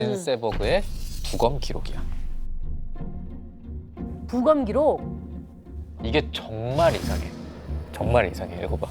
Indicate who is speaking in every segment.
Speaker 1: 세버그의 부검 기록이야.
Speaker 2: 부검 기록?
Speaker 1: 이게 정말 이상해. 정말 이상해. 읽어봐.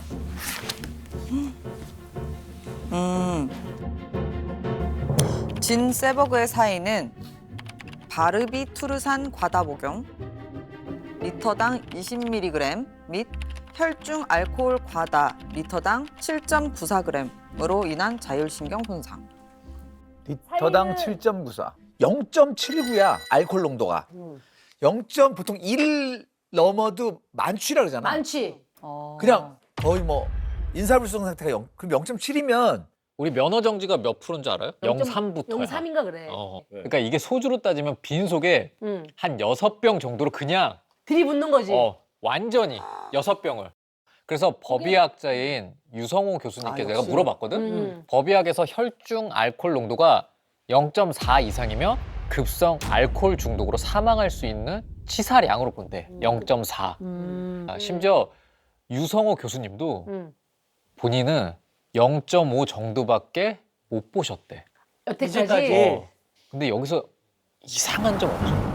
Speaker 3: 진 세버그의 사인은 바르비투르산 과다 복용, 리터당 20mg 및 혈중 알코올 과다 리터당 7.94g으로 인한 자율신경 손상.
Speaker 4: 리터당 7.94. 0.79야 알코올 농도가. 0. 보통 1 넘어도 만취라 그러잖아.
Speaker 2: 많지.
Speaker 4: 그냥 거의 뭐 인사불성 상태가 0. 그럼 0.7이면
Speaker 1: 우리 면허 정지가 몇 프로인 줄 알아요? 0.3부터야.
Speaker 2: 03인가 그래.
Speaker 1: 그러니까 이게 소주로 따지면 빈속에 한 6병 정도로 그냥
Speaker 2: 들이붓는 거지.
Speaker 1: 완전히 6병을. 그래서 법의학자인 유성호 교수님께 내가 물어봤거든. 법의학에서 혈중 알코올 농도가 0.4 이상이면 급성 알코올 중독으로 사망할 수 있는 치사량으로 본대. 0.4. 심지어 유성호 교수님도 본인은 0.5 정도밖에 못 보셨대.
Speaker 2: 여태까지.
Speaker 1: 근데 여기서 이상한 점 없어.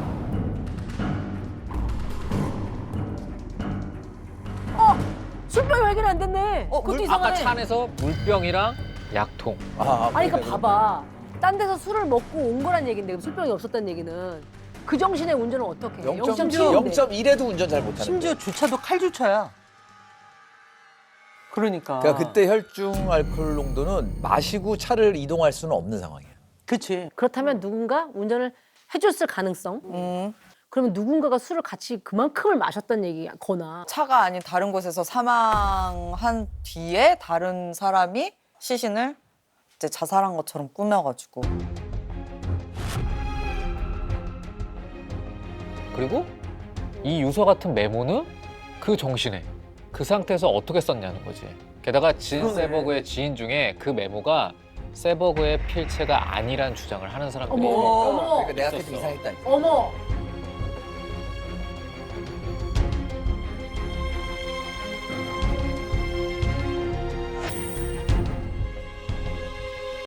Speaker 2: 술병이 해결 안 됐네. 그것도 이상하네.
Speaker 1: 아까 차 안에서 물병이랑 약통.
Speaker 2: 아니 그러니까 봐봐. 딴 데서 술을 먹고 온 거란 얘긴데 그럼 술병이 없었다는 얘기는 그 정신의 운전을 어떻게 해? 0.7인데.
Speaker 4: 0.1에도 운전 잘 못하는.
Speaker 5: 심지어 주차도 칼주차야. 그러니까.
Speaker 4: 그러니까 그때 혈중 알코올 농도는 마시고 차를 이동할 수는 없는 상황이야.
Speaker 5: 그치.
Speaker 2: 그렇다면 누군가 운전을 해줬을 가능성? 그러면 누군가가 술을 같이 그만큼을 마셨다는 얘기거나.
Speaker 3: 차가 아닌 다른 곳에서 사망한 뒤에 다른 사람이 시신을 이제 자살한 것처럼 꾸며가지고.
Speaker 1: 그리고 이 유서 같은 메모는 그 정신에 그 상태에서 어떻게 썼냐는 거지. 게다가 진 세버그의 지인 중에 그 메모가 세버그의 필체가 아니란 주장을 하는 사람들이
Speaker 2: 어머.
Speaker 4: 그러니까 내가 그때
Speaker 1: 있었어.
Speaker 4: 이상했다니까.
Speaker 2: 어머.